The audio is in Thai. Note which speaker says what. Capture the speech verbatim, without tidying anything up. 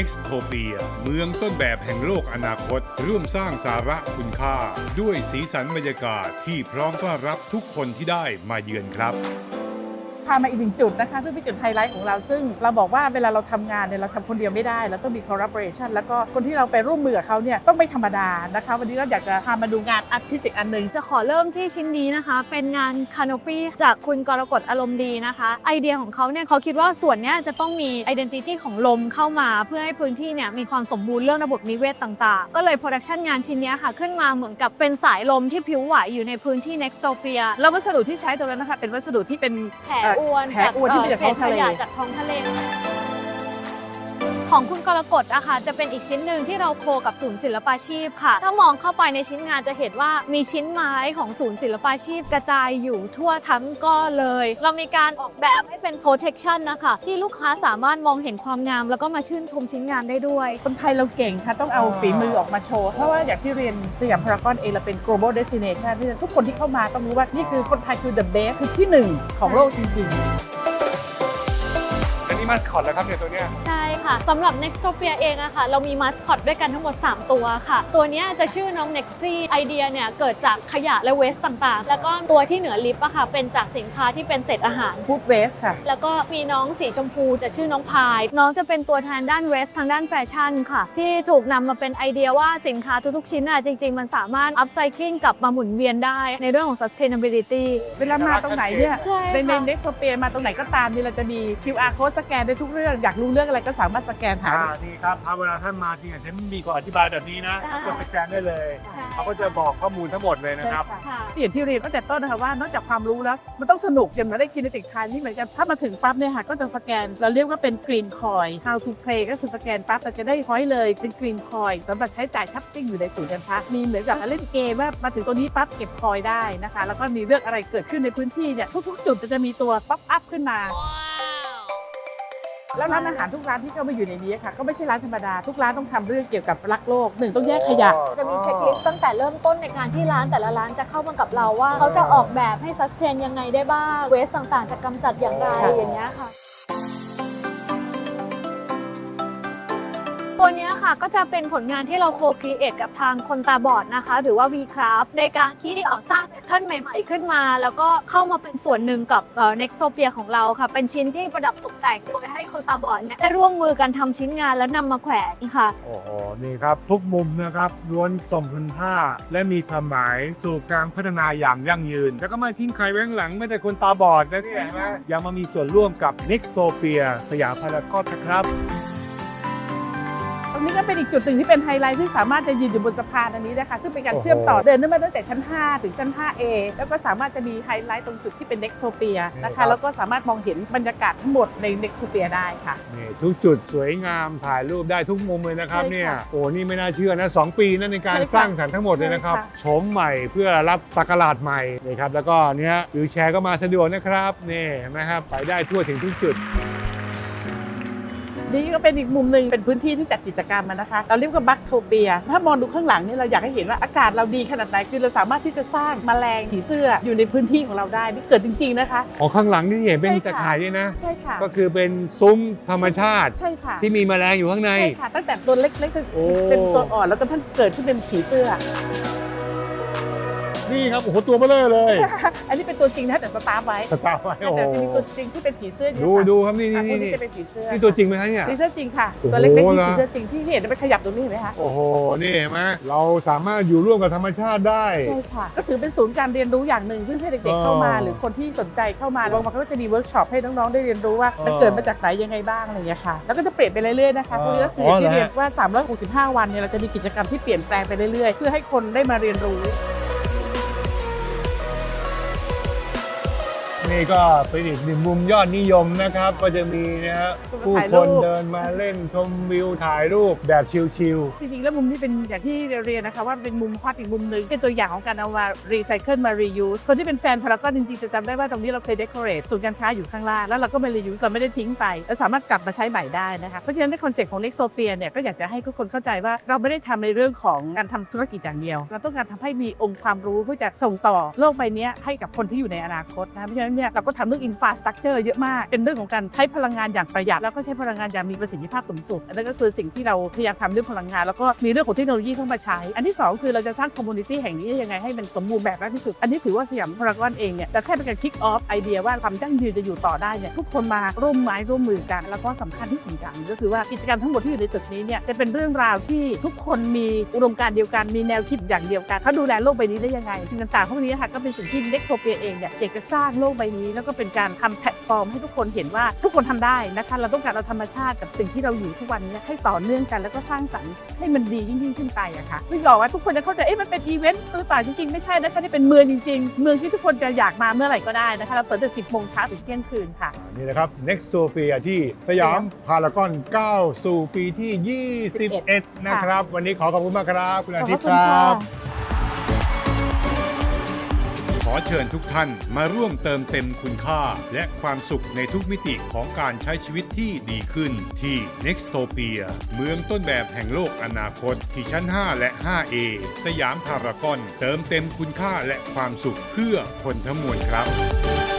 Speaker 1: Nextopia เมืองต้นแบบแห่งโลกอนาคตร่วมสร้างสาระคุณค่าด้วยสีสันบรรยากาศที่พร้อมต้อนรับทุกคนที่ได้มาเยือนครับ
Speaker 2: พามาอีกหนึ่งจุดนะคะซึ่งเป็นจุดไฮไลท์ของเราซึ่งเราบอกว่าเวลาเราทำงานเนี่ยเราทำคนเดียวไม่ได้เราต้องมี collaboration แล้วก็คนที่เราไปร่วมมือกับเขาเนี่ยต้องไม่ธรรมดานะคะวันนี้ก็อยากจะพามาดูงานอาร์ตพิเศษอันหนึ่ง
Speaker 3: จะขอเริ่มที่ชิ้นนี้นะคะเป็นงานคานอปี้จากคุณกรกฎอารมณ์ดีนะคะไอเดียของเขาเนี่ยเขาคิดว่าส่วนนี้จะต้องมี identity ของลมเข้ามาเพื่อให้พื้นที่เนี่ยมีความสมบูรณ์เรื่องระบบนิเวศต่างๆก็เลยโปรดักชันงานชิ้นนี้ค่ะขึ้นมาเหมือนกับเป็นสายลมที่ผิวไหวอยู่ในพื้นที่ Nextopia
Speaker 2: แล้ววัสดุที่ใช้ตรงนั้นนะคะเป็นวัสดุที่เป็น
Speaker 3: แผลอวน
Speaker 2: แผลอวนที่มาจากท้องทะเล
Speaker 3: จากท้องทะเลของคุณกรกฎอะค่ะจะเป็นอีกชิ้นหนึ่งที่เราโคกับศูนย์ศิลปาชีพค่ะถ้ามองเข้าไปในชิ้นงานจะเห็นว่ามีชิ้นไม้ของศูนย์ศิลปาชีพกระจายอยู่ทั่วทั้งก้อนเลยเรามีการออกแบบให้เป็น protection นะคะที่ลูกค้าสามารถมองเห็นความงามแล้วก็มาชื่นชมชิ้นงานได้ด้วย
Speaker 2: คนไทยเราเก่งค่ะต้องเอาฝีมือออกมาโชว์เพราะว่าอย่างที่เรียนสยามพารากอนเองเราเป็น global destination ที่ทุกคนที่เข้ามาต้องรู้ว่านี่คือคนไทยคือ the best คือที่หนึ่งของโลกจริงๆ
Speaker 1: มาสคอตแล้วครับเนี่ยตัวเนี้ย
Speaker 3: ใช่ค่ะสำหรับ Nextopia เองอะค่ะเรามีมาสคอตด้วยกันทั้งหมดสามตัวค่ะตัวนี้จะชื่อน้อง Nexty ไอเดียเนี่ยเกิดจากขยะและเวสต์ต่างๆแล้วก็ตัวที่เหนือลิฟต์อะค่ะเป็นจากสินค้าที่เป็นเศษอาหาร
Speaker 2: Food Waste ค่ะ
Speaker 3: แล้วก็มีน้องสีชมพูจะชื่อน้องพายน้องจะเป็นตัวแทนด้านเวสต์ทางด้านแฟชั่นค่ะที่ถูกนำมาเป็นไอเดียว่าสินค้าทุกๆชิ้นอะจริงๆมันสามารถ upcycling กลับมาหมุนเวียนได้ในเรื่องของ sustainability
Speaker 2: เวลามาตรงไหนเนี่ยในใน
Speaker 3: ใน
Speaker 2: Nextopia มาตรงไหนก็ตามนี่เราจะมี คิว อาร์ code สแกนได้ทุกเรื่องอยากรู้เรื่องอะไรก็สามารถสแกนหา
Speaker 4: นี่ครับถ้าเวลาท่านมาจริงๆฉันมีก่อนอธิบายแบบนี้นะก็สแกนได้เลยเขาก็จะบอกข้อมูลทั้งหมดเลยนะครับ
Speaker 2: อย่างที่เรียนตั้งแต่ต้นนะคะว่านอกจากความรู้แล้วมันต้องสนุกอย่างเราได้กินในติดทานนี่เหมือนกันถ้ามาถึงปั๊บเนี่ยค่ะก็จะสแกนเราเรียกว่าเป็น Green Coin How to Play ก็คือสแกนปั๊บเราจะได้พอยต์เลยเป็น Green Coin สำหรับใช้จ่ายช้อปปิ้งอยู่ในศูนย์การค้ามีเหมือนกับเล่นเกมว่ามาถึงตัวนี้ปั๊บเก็บคอยได้นะคะแล้วก็มีเรื่องอะไรเกิดขึ้นในพื้นที่เนี่ยทุกๆจุดจะมีตัวป๊อปอัพขึ้นมาแล้วร้านอาหารทุกร้านที่เข้ามาอยู่ในนี้ค่ะก็ไม่ใช่ร้านธรรมดาทุกร้านต้องทำเรื่องเกี่ยวกับรักโลกหนึ่งต้องแยกขยะ
Speaker 3: จะมีเช็คลิสต์ตั้งแต่เริ่มต้นในการที่ร้านแต่ละร้านจะเข้ามากับเราว่าเขาจะออกแบบให้ซัสเทนยังไงได้บ้างเวสต่างๆจะกำจัดอย่างไรอย่างเงี้ยค่ะตัวนี้ค่ะก็จะเป็นผลงานที่เราโคครีเอทกับทางคนตาบอดนะคะหรือว่า V-Craft ในการที่ออกสร้างแพทเทิร์นใหม่ๆขึ้นมาแล้วก็เข้ามาเป็นส่วนหนึ่งกับ Nextopia ของเราค่ะเป็นชิ้นที่ประดับตกแต่งโดยให้คนตาบอดเนี่ยได้ร่วมมือกันทำชิ้นงานแล้วนำมาแขวนค่ะ
Speaker 4: โอ้โหนี่ครับทุกมุมนะครับล้วนส่งคุณค่าและมีความหมายสู่การพัฒนาอย่างยั่งยืนแล้วก็ไม่ทิ้งใครไว้ข้างหลังไม่แต่คนตาบอดนะสิยังมามีส่วนร่วมกับ Nextopia สยามพารากอนนะครับ
Speaker 2: ตรงนี้ก็เป็นอีกจุดหนึ่งที่เป็นไฮไลท์ที่สามารถจะยืนอยู่บนสะพานอันนี้นะคะซึ่งเป็นการเชื่อมต่อเดินขึ้นมาตั้งแต่ชั้นห้าถึงชั้น ห้าเอ แล้วก็สามารถจะมีไฮไลท์ตรงจุดที่เป็น Nextopia นะคะแล้วก็สามารถมองเห็นบรรยากาศทั้งหมดใน Nextopia ได้ค่ะ
Speaker 4: นี่ทุกจุดสวยงามถ่ายรูปได้ทุกมุมเลยนะครับเนี่ยโอ้นี่ไม่น่าเชื่อนะสองปีนั่นในการสร้างสรรค์ทั้งหมดเลยนะครับโฉมใหม่เพื่อรับสักราชใหม่นะครับแล้วก็เนี้ยวิวแชร์ก็มาสะดวกนะครับนี่เห็นไหมครับไปได้ทั่วถึงทุกจุด
Speaker 2: นี่ก็เป็นอีกมุมหนึ่งเป็นพื้นที่ที่จัดกิจกรรมนะคะเราเรียกว่าบัคโทเปียถ้ามองดูข้างหลังนี่เราอยากให้เห็นว่าอากาศเราดีขนาดไหนคือเราสามารถที่จะสร้างแมลงผีเสื้ออยู่ในพื้นที่ของเราได้นี่เกิดจริงๆนะคะ
Speaker 4: อ๋อข้างหลังนี่เห็นเป็นตะข่ายด้วยนะ
Speaker 2: ใช่ค่ะ
Speaker 4: ก็คือเป็นซุ้มธรรมชาติ
Speaker 2: ใช่ค่ะ
Speaker 4: ที่มีแมลงอยู่ข้างใน
Speaker 2: ใช่ค่ะตั้งแต่ตัวเล็กๆเป็นตัวอ่อนแล้วก็ท่านเกิดขึ้นเป็นผีเสื้อ
Speaker 4: นี่ครับโอ้โหตัวเบลอเลย
Speaker 2: อันนี้เป็นตัวจริงนะแต่สตาร์ฟไว้
Speaker 4: สตาร์ฟไว้โอ้โห
Speaker 2: แต่มีตัวจริงที่เป็นผีเสื้อ
Speaker 4: ดูดูครับนี่นี่
Speaker 2: นี่จะเป็นผีเสื้อ
Speaker 4: นี่ตัวจริงไหมคะเนี่ย
Speaker 2: ผีเสื้อจริงค่ะตัวเล็กๆนี่ผีเสื้อจริงที่เห็นมันขยับตรงนี้เห็นไหมคะ
Speaker 4: โอ้โหนี่เห็นไหมเราสามารถอยู่ร่วมกับธรรมชาติได้
Speaker 2: ใช่ค่ะก็ถือเป็นศูนย์การเรียนรู้อย่างหนึ่งซึ่งให้เด็กๆเข้ามาหรือคนที่สนใจเข้ามาบางวันเขาก็จะมีเวิร์กช็อปให้น้องๆได้เรียนรู้ว่ามันเกิดมาจากไหนยังไงบ้างอะไรอย่างเงี้ยค่ะแล้วก็จะเปลี่ยนไปเรื่อยๆนะคะพวกนี้ก็คือที่เรียนว่าสามร้อยหกสิบห้าวันเนี่ยเราจะมีกิจกรรมที่เปลี่ยนแปลงไปเรื่อยๆเพื่อให้คนได้มาเรียนรู้
Speaker 4: นี่ก็เป็นอีกหนึ่งมุมยอดนิยมนะครับก็จะมีนะฮะผู้คนเดินมาเล่นชมวิวถ่ายรูปแบบชิลๆ
Speaker 2: จริงๆแล้วมุมนี้เป็นอย่างที่เรียนนะคะว่าเป็นมุมฮอตอีกมุมหนึ่งเป็นตัวอย่างของการเอามารีไซเคิลมารียูสคนที่เป็นแฟนพารากอนจริงๆจะจำได้ว่าตรงนี้เราเคยเดคอเรทศูนย์การค้าอยู่ข้างล่างแล้วเราก็มารียูสเราไม่ได้ทิ้งไปเราสามารถกลับมาใช้ใหม่ได้นะคะเพราะฉะนั้นในคอนเซ็ปต์ของ Nextopia เนี่ยก็อยากจะให้ทุกคนเข้าใจว่าเราไม่ได้ทำในเรื่องของการทำธุรกิจอย่างเดียวเราต้องการทำให้มีองค์ความรู้เพื่อจะส่งต่อโลกใบนี้ให้กับคนที่อยู่ในอนาคตนะเพราะฉะนั้นเนี่ยเราก็ทำเรื่อง infrastructure เยอะมากเป็นเรื่องของการใช้พลังงานอย่างประหยัดแล้วก็ใช้พลังงานอย่างมีประสิทธิภาพสูงสุดอันนั้นก็คือสิ่งที่เราพยายามทำเรื่องพลังงานแล้วก็มีเรื่องของเทคโนโลยีเข้ามาใช้อันที่สองคือเราจะสร้าง community แห่งนี้ยังไงให้มันสมบูรณ์แบบมากที่สุดอันนี้ถือว่าสยามพารากอนเองเนี่ยจะแค่เป็นการ kick off ไอเดียว่าความยั่งยืนจะอยู่ต่อได้เนี่ยทุกคนมาร่วมไม้ร่วมมือกันแล้วก็สำคัญที่สุดอย่างก็คือว่ากิจกรรมทั้งหมดที่อยู่ในตึกนี้เนี่ยจะเป็นเรื่องราวที่ทุกคนมีอุดมการณ์เดียวกันมีแนวคิดอย่างเดียวกันเขาดูแลโลกใบนี้ได้ยังไงสิ่งต่างๆพวกนี้ค่ะก็เป็นสิ่งที่ Nextopia เองเนี่ยอยากจะสร้างโลกใบนี้แล้วก็เป็นการทำแพลตฟอร์มให้ทุกคนเห็นว่าทุกคนทำได้นะคะเราต้องการเอาธรรมชาติกับสิ่งที่เราอยู่ทุกวันนี้ให้ต่อเนื่องกันแล้วก็สร้างสรรค์ให้มันดียิ่งยิ่งขึ้นไปอะค่ะไม่บอกว่าทุกคนจะเข้าใจเอ๊ะมันเป็นอีเวนต์หรือเปล่าจริงๆไม่ใช่นะคะนี่เป็นเมืองจริงๆเมืองที่ทุกคนจะอยากมาเมื่อไหร่ก็ได้นะคะเราเปิดตั้งแต่สิบโมงเช้าถึงเที่ยงคืนค่ะ
Speaker 4: นี่นะครับ Nextopia ที่สยามพารากอนก้าวสู่ปีที่ ยี่สิบเอ็ด นะครับ วันนี้ขอขอบคุณมากครับคุณอาทิตย์ครับ
Speaker 1: ขอเชิญทุกท่านมาร่วมเติมเต็มคุณค่าและความสุขในทุกมิติของการใช้ชีวิตที่ดีขึ้นที่ Nextopia เมืองต้นแบบแห่งโลกอนาคตที่ชั้น ห้า และ ห้า เอ สยามพารากอนเติมเต็มคุณค่าและความสุขเพื่อคนทั้งมวลครับ